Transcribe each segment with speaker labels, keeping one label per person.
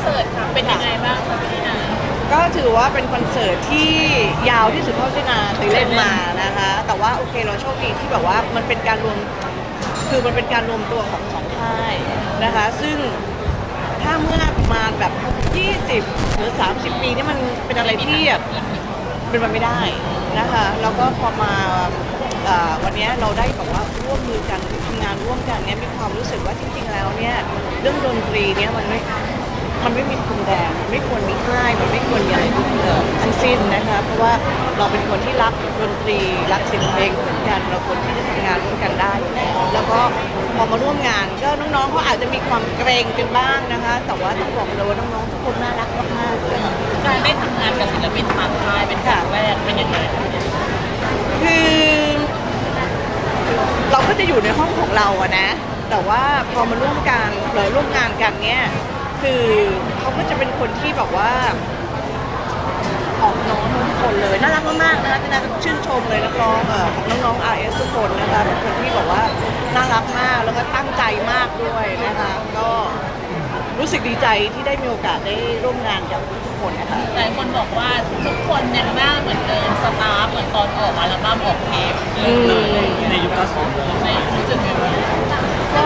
Speaker 1: เสิร์ตค่ะเป็นยังไงบ้างคะพี่นา
Speaker 2: ก็ถือว่าเป็นคอนเสิร์ตที่ยาวที่สุดเท่าที่นาเคยเล่นมานะคะแต่ว่าโอเคเราโชคดีที่แบบว่ามันเป็นการรวมคือมันเป็นการรวมตัวของสองค่ายนะคะซึ่งถ้าเมื่อประมาณแบบ20หรือ30ปีนี่มันเป็นอะไรที่แบบเป็นไปไม่ได้นะคะแล้วก็พอมาวันนี้เราได้แบบว่าร่วมมือกันทำงานร่วมกันเนี่ยมีความรู้สึกว่าจริงๆแล้วเนี่ยเรื่องดนตรีเนี่ยมันไม่มีพรมแดงไม่ควรมีค่ายมันไม่ควรมีอะไรทั้งสิ้นนะคะเพราะว่าเราเป็นคนที่รักดนตรีรักเสียงเพลงเหมือนกันเราควรที่จะทำงานร่วมกันได้อยู่แล้วแล้วก็พอมาร่วมงานก็น้องๆเขาอาจจะมีความเกรงกันบ้างนะคะแต่ว่าต้องบอกเลยว่าน้องๆทุกคนน่ารักมากๆเลยค่ะ
Speaker 1: การได้ทำงานกับศิลปินต่างค่ายเป็นครั้งแรกเป็นยังไง
Speaker 2: คือเราก็จะอยู่ในห้องของเราอะนะแต่ว่าพอมาร่วมกันหรือร่วมงานกันเนี่ยคือเขาก็จะเป็นคนที่แบบว่าออกน้องทุกคนเลยน่ารักมากๆนะคะที่น่าชื่นชมเลยนักร้องของน้องๆ RS ทุกคนนะคะเป็นคนที่แบบว่าน่ารักมากแล้วก็ตั้งใจมากด้วยนะคะก็รู้สึกดีใจที่ได้มีโอกาสได้ร่วมงานกับทุกคนนะคะ
Speaker 1: หลายคนบอกว่าทุกคนยังหน้าเหมือนเดิมสตาร์เหมือนตอนออกอัลบั้มออกเทปเลยในยุค90เลยในรู้สึกยังไง
Speaker 2: ก็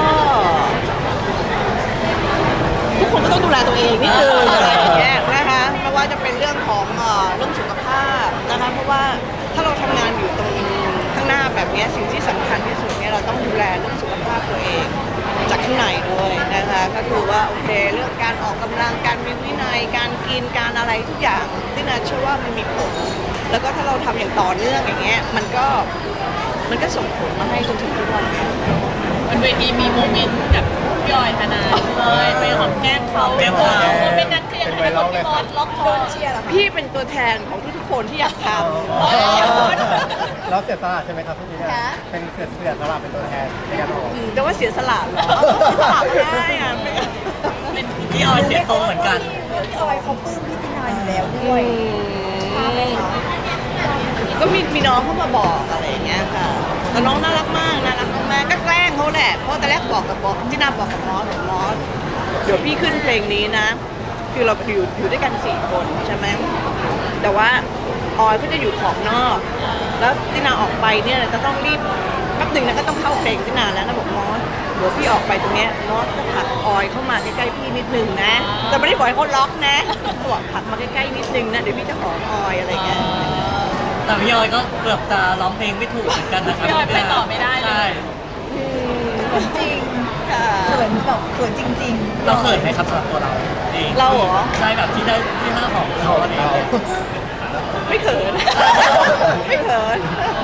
Speaker 2: ทุกคนก็ต้องดูแลตัวเองนิดนึงอะไรอย่างเงี้ยนะคะไม่ว่าจะเป็นเรื่องของเรื่องสุขภาพนะคะเพราะว่าถ้าเราทำงานอยู่ตรงข้างหน้าแบบนี้สิ่งที่สำคัญที่สุดเนี่ยเราต้องดูแลเรื่องสุขภาพตัวเองจากข้างในด้วยนะคะก็คือว่าโอเคเรื่องการออกกำลังการมีวินัยการกินการอะไรทุกอย่างที่นาเชื่อว่ามันมีผลแล้วก็ถ้าเราทำอย่างต่อเนื่องอย่างเงี้ยมันก็ส่งผลมาให้จนถึงทุกวันนี้
Speaker 1: บนเวทีมีโมเมนต์กับพี่ออยธนาเลยไปหอมแก้มเขาโมเมนต์นั้นคือยังไงคนพี่มอสล็อกคอเชียร์
Speaker 2: พี่เป็นตัวแทนของทุกๆคนที่อยากทำ
Speaker 3: เราเสียสละใช่ไหมครับพี่เนี่ยเป็นเสียสละเป็นตัวแทนในการออก
Speaker 2: แต่ว่าเสียสละเหรอสละไม่ได้อะ
Speaker 1: พี่ออยเสียตรงเหมือนกัน
Speaker 4: พี่ออยเขาปลื้มพี่ตินาอยู่แล้วด้วยใช่ไหมคะ
Speaker 2: ก็มีน้องเข้ามาบอกอะไรอย่างเงี้ยค่ะแต่น้องน่ารักมากน่ารักมากก็แกล้งเขาแหละเพราะแต่แรกบอกที่นาบอกกับมอสเดี๋ยวพี่ขึ้นเพลงนี้นะคือเราอยู่ด้วยกัน4 คนใช่ไหมแต่ว่าออยก็จะอยู่ขอบนอกแล้วที่นาออกไปเนี่ยจะต้องรีบแป๊บหนึ่งนะก็ต้องเข้าเพลงที่นาแล้วนะบอกมอสเดี๋ยวพี่ออกไปตรงเนี้ยมอสก็ผลักออยเข้ามาใกล้ๆพี่นิดนึงนะแต่ไม่ได้บอกให้เขาล็อกนะบอกผลักมาใกล้ๆนิดนึงนะเดี๋ยวพี่จะหอมออยอะไรเงี้ย
Speaker 1: แต่พี่ออยก็เกือบจะร้องเพลงไม่ถูกเหมือนกันนะครับพี่ออยไปต่อไม่ได้เลย
Speaker 4: จริงเขินแบบเขินจริงๆ
Speaker 1: เราเขินไหมครับสำหรับตัวเราเอง
Speaker 2: เราเหรอ
Speaker 1: ใช่แบบที่ได้ที่ห้าของเราเอง
Speaker 2: ไม่เขินไม่เขิน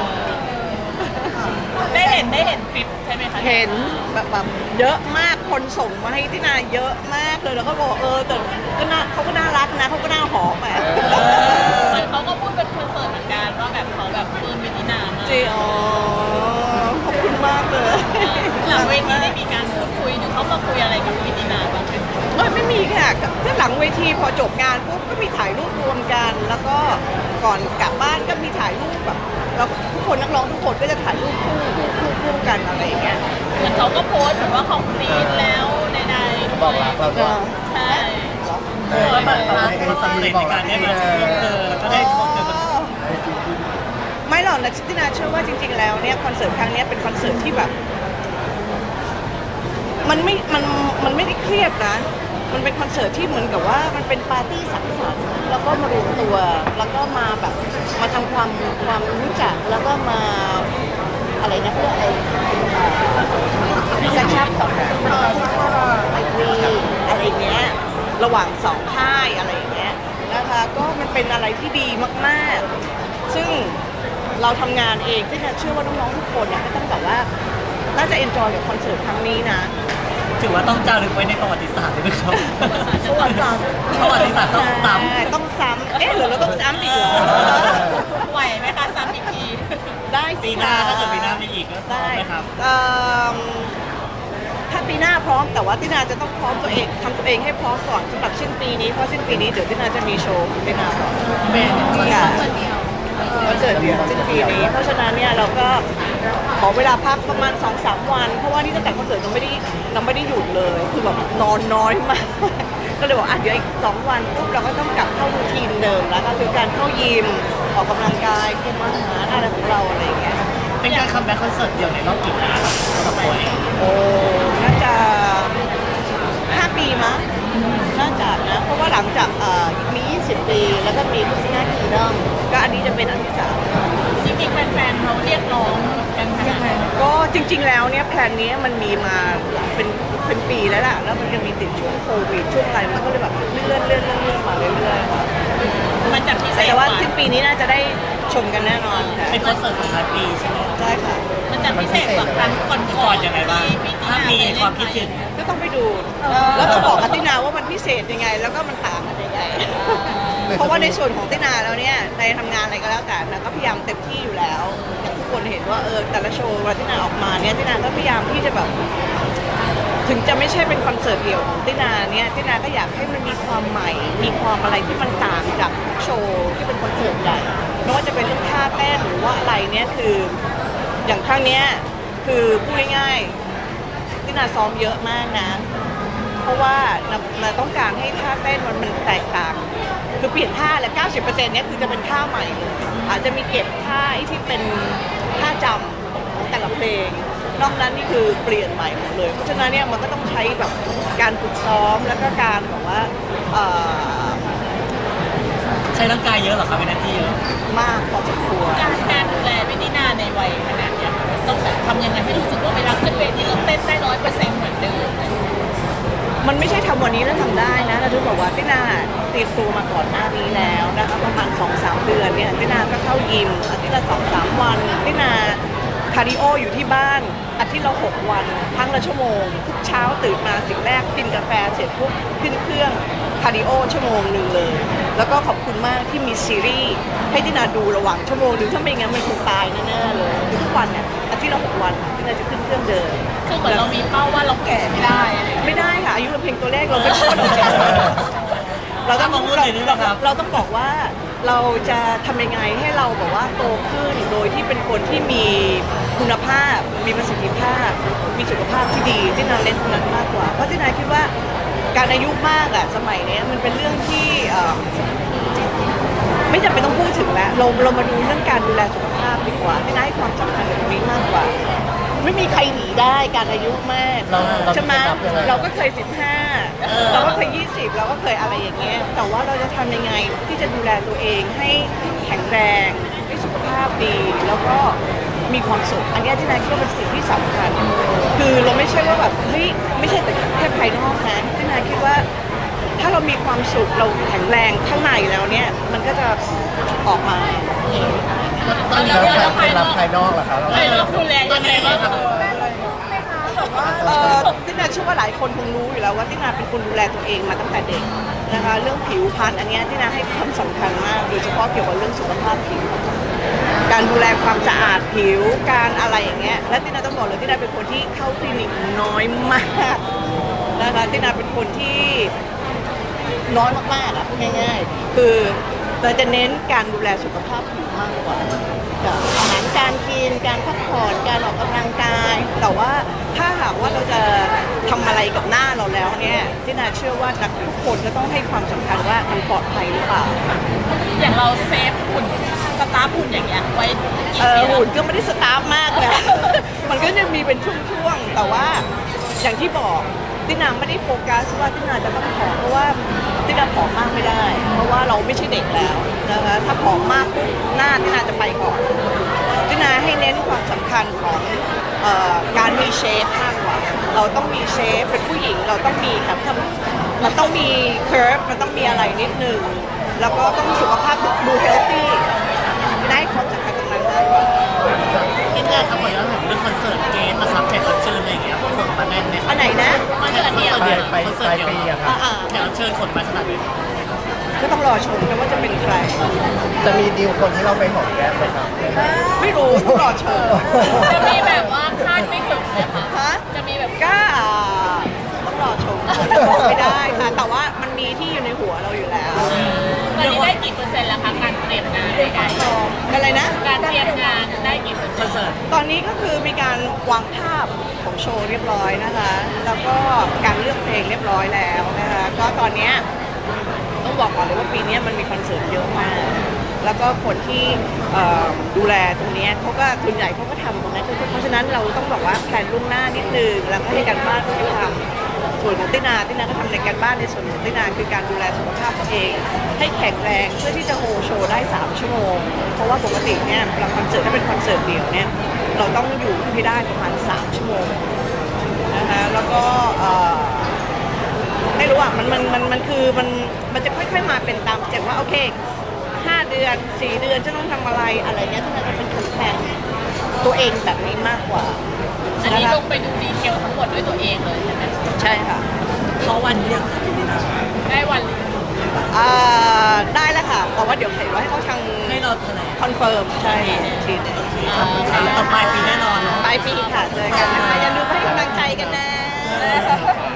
Speaker 1: ได้เห็นคลิปใช่ไหมคะ
Speaker 2: เห็นแบบเยอะมากคนส่งมาให้ที่นาเยอะมากเลยแล้วก็บอกแต่ก็น่าเขาก็น่ารักนะเขาก็น่าหอมอ่ะ
Speaker 1: เหมือนเขาก็พูดเป็นคอนเสิร์ตเหมือนกันว่าแบบเขาแบบปลื้มพี่ตินามา
Speaker 2: จริงอ๋อขอบคุณมากเลย
Speaker 1: หลังเวทีได้มีการพูดคุยหรือเขามาคุยอะไรกับพี่ตินาบ้าง
Speaker 2: ไม่มีค่ะถ้าหลังเวทีพอจบงานปุ๊บก็มีถ่ายรูปรวมกันแล้วก็ก่อนกลับบ้านก็มีถ่ายรูปแบบเราทุกคนนักร้องทุกคนก็จะถ่ายรูปคู่กันอะไรอย่างเงี้ย
Speaker 1: เหมือนเขาก็โพสต์เหมือนว่าเขาคลีนแล้วใดๆ
Speaker 3: บอกรักเราก็
Speaker 1: ใช่แบบความสำเร็จในการได้มาเจอแล้วก็ได้พบเจอกัน
Speaker 2: ไม่หรอกนะที่นาเชื่อว่าจริงๆแล้วเนี่ยคอนเสิร์ตครั้งนี้เป็นคอนเสิร์ตที่แบบมันไม่ได้เครียดนะมันเป็นคอนเสิร์ตที่เหมือนกับว่ามันเป็นปาร์ตี้สังสรรค์แล้วก็มารวมตัวแล้วก็มาแบบมาทำความรู้จักแล้วก็มาอะไรนะเพื่ออะไรกระชับสัมพันธ์ไมตรีอะไรเงี้ยระหว่าง2 ค่ายอะไรอย่างเงี้ยนะคะก็มันเป็นอะไรที่ดีมากๆซึ่งเราทำงานเองที่เชื่อว่าน้องๆทุกคนเนี่ยก็ต้องแบบว่าน่าจะเอนจอยกับคอนเสิร์ตครั้งนี้นะ
Speaker 1: ถือว่าต้องจารึกไว้ในประวัติศาสตร์เลยไหมครับ
Speaker 2: ประวัติศาสตร์ต้องซ้ำหรือเราต้องซ้ำอีกเหรอ
Speaker 1: ไหวไหมคะซ้ำอีกที
Speaker 2: ได้
Speaker 1: ปีหน้าถ้าเกิดปีหน้ามีอีกก็ได้ไหมครับ
Speaker 2: ถ้าปีหน้าพร้อมแต่ว่าที่นาจะต้องพร้อมตัวเองทำตัวเองให้พร้อมก่อนสำหรับสิ้นปีนี้เพราะสิ้นปีนี้เดี๋ยวที่นาจะมีโชว์ที่นาก่อน
Speaker 1: เป็น
Speaker 2: ค่ะคอนเสิร์ตเดียวสิ้นปีนี้เพราะฉะนั้นเนี่ยเราก็ขอเวลาพักประมาณ 2-3 วันเพราะว่านี่ตั้งแต่คอนเสิร์ตเราไม่ได้หยุดเลยคือแบบนอนน้อยมากก็เลยบอกเดี๋ยวอีก2 วันปุ๊บเราก็ต้องกลับเข้ารูทีนเดิมแล้วก็คือการเข้ายิมออกกำลังกายคุมอาหารอะไรของเราอะไรอย่างเงี้ย
Speaker 5: เป็นการคัมแบ็คคอนเสิร์ตเดียวในรอบกี่ปีครับสำหรับตัวเอง
Speaker 2: โอ้น่าจะ5 ปีมั้งน่าจะนะเพราะว่าหลังจากมี20 ปีแล้วก็มีพุทธินาคิงดอมก็อันนี้จะเป็นอันที่3
Speaker 1: จริงๆแฟนๆเขาเรียกร้องกันขนาดไหน
Speaker 2: ก็จริงๆแล้วเนี่ยแพลนนี้มันมีมาเป็นปีแล้วล่ะแล้วมันยังมีติดช่วงโควิดช่วงอะไรมันก็เลยแบบเลื่อนมาเรื่อยๆค่ะ
Speaker 1: มันจะพิเศษ
Speaker 2: แต่ว่า
Speaker 1: กว่า
Speaker 2: สิ้นปีนี้น่าจะได้ชมกันแน่นอนค่ะ
Speaker 5: เป็นคอนเสิร์ตของท้ายปีใช่ไหม
Speaker 2: ใช่ค่ะ
Speaker 1: มันจะพิเศษกว่าครั้งก่อน
Speaker 5: ก่อนยังไงบ้าง
Speaker 1: ที่
Speaker 5: ถ้ามีความคิดถึง
Speaker 2: ก็ต้องไปดูแล้วจะบอกกับตินาว่ามันพิเศษยังไง แล้วก็มันต่างกันยังไง เพราะว่าในส่วนของตินาแล้วเนี่ยในทำงานอะไรก็แล้วแต่นะก็พยายามเต็มที่อยู่แล้วอย่างทุกคนเห็นว่าแต่ละโชว์เวลาตินาออกมาเนี่ยตินาก็พยายามที่จะแบบ ถึงจะไม่ใช่เป็นคอนเสิร์ตเดี่ยวของตินาเนี่ยตินาก็อยากให้มันมีความใหม่ มีความอะไรที่มันต่างจากโชว์ที่เป็นคอนเสิร์ตใหญ่ไม่ว่าจะเป็นเรื่องท่าเต้นหรือว่าอะไรเนี่ยคืออย่างครั้งเนี้ยคือพูดง่ายๆตินาซ้อมเยอะมากนะ เพราะว่าเราต้องการให้ท่าเต้นมันแตกต่าง คือเปลี่ยนท่าและ 90% เนี่ยคือจะเป็นท่าใหม่เลยอาจจะมีเก็บท่าที่เป็นท่าจำของแต่ละเพลง นอกนั้นนี่คือเปลี่ยนใหม่หมดเลย เพราะฉะนั้นเนี่ยมันก็ต้องใช้แบบการฝึกซ้อมแล้วก็การแบบว่า
Speaker 5: ใช้ร่างกายเยอะเหรอครับเป็นหน้าที่เยอะ
Speaker 2: มากพอสมควร
Speaker 1: การดูแลพี่ตินาในวัยขนาดเนี้ยต้องแบบทำยังไงให้รู้สึกว่าเวลาขึ้นเวทีเราเต้นได้100%เหมือนเดิม
Speaker 2: มันไม่ใช่ทำวันนี้แล้วทำได้นะเราถึงบอกว่าตินาเตรียมตัวมาก่อนหน้านี้แล้วนะคะประมาณ 2-3 เดือนเนี่ยตินาก็เข้ายิมอาทิตย์ละ 2-3 วันตินาคาร์ดิโออยู่ที่บ้านอาทิตย์ละ6 วันครั้งละชั่วโมงทุกเช้าตื่นมาสิ่งแรกกินกาแฟเสร็จปุ๊บขึ้นเครื่องคาร์ดิโอชั่วโมงหนึ่งเลย แล้วก็ขอบคุณมากที่มีซีรีส์ให้ตินาดูระหว่างชั่วโมงหนึ่งถ้าไม่งั้นมันคงตายแน่ๆเลยทุกวันเนี่ยอาทิตย์ละ6 วันตินาจะขึ้นเครื่องเดิน
Speaker 1: คือเหมือนเรามีเป้าว่าเราแก่ไม่ได้อะไรอย่างเงี้ย
Speaker 2: ไม่ได้ค่ะอายุเราเพียงตัวเลขเราไม่พูดเราเราต้อง
Speaker 5: มองเรื่องไหนด้วยนะครับ
Speaker 2: เราต้องบอกว่าเราจะทำยังไงให้เราแบบว่าโตขึ้นโดยที่เป็นคนที่มีคุณภาพ มีประสิทธิภาพ มีสุขภาพที่ดีที่นาเน้นตรงนั้นมากกว่าเพราะที่นาคิดว่าการอายุมากอะสมัยนี้มันเป็นเรื่องที่ไม่จำเป็นต้องพูดถึงแล้วเรามาดูเรื่องการดูแลสุขภาพดีกว่าที่นาให้ความสำคัญกับตรงนี้มากกว่า ไม่มีใครหนีได้การอายุมาก
Speaker 3: เรา
Speaker 2: ใช่ไหม
Speaker 3: จะนับยังไง
Speaker 2: เราก็เคย15เราก็เคย20เราก็เคยอะไรอย่างเงี้ยแต่ว่าเราจะทำยังไงที่จะดูแลตัวเองให้แข็งแรงให้สุขภาพดี แล้วก็มีความสุขอันเนี้ยที่นายคิดว่าเป็นสิ่งที่สำคัญคือเราไม่ใช่ว่าแบบเฮ้ยไม่ใช่แต่แค่ภายนอกนะที่นายคิดว่าถ้าเรามีความสุขเราแข็งแรงข้างในแล้วเนี่ยมันก็จะออกมา
Speaker 1: ตอนนี้
Speaker 3: แล้ว
Speaker 1: เรา
Speaker 3: การรับภายนอกล่ะครับ
Speaker 1: เราดูแลยังไงบ้าง
Speaker 2: ตินาเชื่อว่าหลายคนคงรู้อยู่แล้วว่าตินาเป็นคนดูแลตัวเองมาตั้งแต่เด็กนะคะเรื่องผิวพรรณอันเนี้ยตินาให้ความสำคัญมากโดยเฉพาะเกี่ยวกับเรื่องสุขภาพผิว การดูแลความสะอาดผิวการอะไรอย่างเงี้ยและตินาต้องบอกเลยตินาเป็นคนที่เข้าคลินิกน้อยมากนะคะตินาเป็นคนที่น้อยมากๆอะพูดง่ายๆคือเราจะเน้นการดูแลสุขภาพผิวมากกว่าอาหารการกินการพักผ่อนการออกกำลังกายแต่ว่าถ้าหากว่าเราจะทำอะไรกับหน้าเราแล้วเนี่ยที่นาเชื่อว่าทุกคนก็ต้องให้ความสำคัญว่ามันปลอดภัยหรือเปล่า
Speaker 1: อย่างเราเซฟหุ่นสตาร์ฟหุ่นอย่างเงี้ยไว้กี่ปีแล้ว
Speaker 2: หุ่นก็ไม่ได้สตาร์ฟมากนะ มันก็จะมีเป็นช่วงๆแต่ว่าอย่างที่บอกตินาไม่ได้โฟกัสว่าตินาจะต้องผอมเพราะว่าตินาผอมมากไม่ได้ เพราะว่าเราไม่ใช่เด็กแล้วนะคะถ้าผอมมากปุ๊บหน้าตินาจะไปก่อนตินาให้เน้นความสำคัญของการมีเชฟมากกว่าเราต้องมีเชฟเป็นผู้หญิงเราต้องมีแบบมันต้องมีเคิร์ฟมันต้องมีอะไรนิดนึงแล้วก็ต้องสุขภาพดูเฮลตี้ได้ความสำคัญตรงนั้นมากกว่า
Speaker 5: ที่เนี่ยครับขอย้อนถึงเรื่องคอนเสิร์ตเกมนะครับแขกรับเชิญอะไรอย่างเงี้ยคนมาแน่นไหมค
Speaker 2: อั
Speaker 5: รับ
Speaker 2: นไหนนะ
Speaker 5: คอนเสิร์ตเดียว
Speaker 3: ไปปลายปีอะครับ
Speaker 5: แขกรับเชิญคนมาขนาดนี้
Speaker 2: ก็ต้องรอชมกันว่าจะเป็นใคร
Speaker 3: จะมีดีลคนที่เราไปหอมแก้มไหมครับ
Speaker 2: ไม่รู้ต้องรอชม
Speaker 1: จะมีแบบว่าคาดไม่ถึงเลยค่ะ
Speaker 2: ฮะ
Speaker 1: จะมีแบบ
Speaker 2: ก็ต้องรอชมบอกไม่ได้ค่ะ แต่ว่ามันมีที่อยู่ในหัวเราอยู่แล้ว
Speaker 1: ตอนนี้ได้กี่เปอร์เซ็นต์แล้วคะการเตรียมงานใด
Speaker 2: อะไรนะ
Speaker 1: ๆการเตรียมงานได้กี่เปอร์เซ็นต์
Speaker 5: เสิร์ต
Speaker 2: ตอนนี้ก็คือมีการวางภาพของโชว์เรียบร้อยนะคะ แล้วก็การเลือกเพลงเรียบร้อยแล้วนะคะ ก็ตอนเนี้ยต้องบอกก่อนเลยว่าปีนี้มันมีคอนเสิร์ตเยอะมาก แล้วก็คนที่ดูแลตรงเนี้ยเขาก็ส่วนใหญ่เขาก็ทำตรงนั้นเพราะฉะนั้นเราต้องบอกว่าแพลนล่วงหน้านิดนึงแล้วก็ให้การบ้านที่ทำส่วนของตินาก็ทำในการบ้านในส่วนของตินาคือการดูแลสุขภาพตัวเอง ให้แข็งแรงเพื่อที่จะโฮโชว์ได้3ชั่วโมงเพราะว่าปกติเนี่ยเวลาคอนเสิร์ตถ้าเป็นคอนเสิร์ตเดี่ยวเนี่ยเราต้องอยู่ให้ได้ประมาณ3ชั่วโมงนะคะแล้วก็ไม่รู้อ่ะมันคือมันจะค่อยๆมาเป็นตามสเต็ปว่าโอเค5 เดือน4 เดือนจะต้องทำอะไรเงี้ยที่เราจะเป็นคนแทนตัวเองแบบนี้มากกว่า
Speaker 1: อันนี้
Speaker 2: ะคะ
Speaker 1: ลงไปดูดีเทลทั้งหมดด้วยตัวเองเลยใช่ไหม
Speaker 2: ใช่ค่ะ
Speaker 5: เขาวันเรียงค่ะพี่ตินา
Speaker 1: ได้วันหรือ
Speaker 2: ได้แล้วค่ะแต่ว่าเดี๋ยวเห็นว่าให้เขาทาง
Speaker 5: ให้เราแถลง
Speaker 2: คอนเฟิร์มใช่ทีหนึง
Speaker 5: ต่อปลายปีแน่นอนเนาะ
Speaker 2: ปลายปีค่ะเจอกันนะคะอย่าลืมให้กำลังใจกันนะ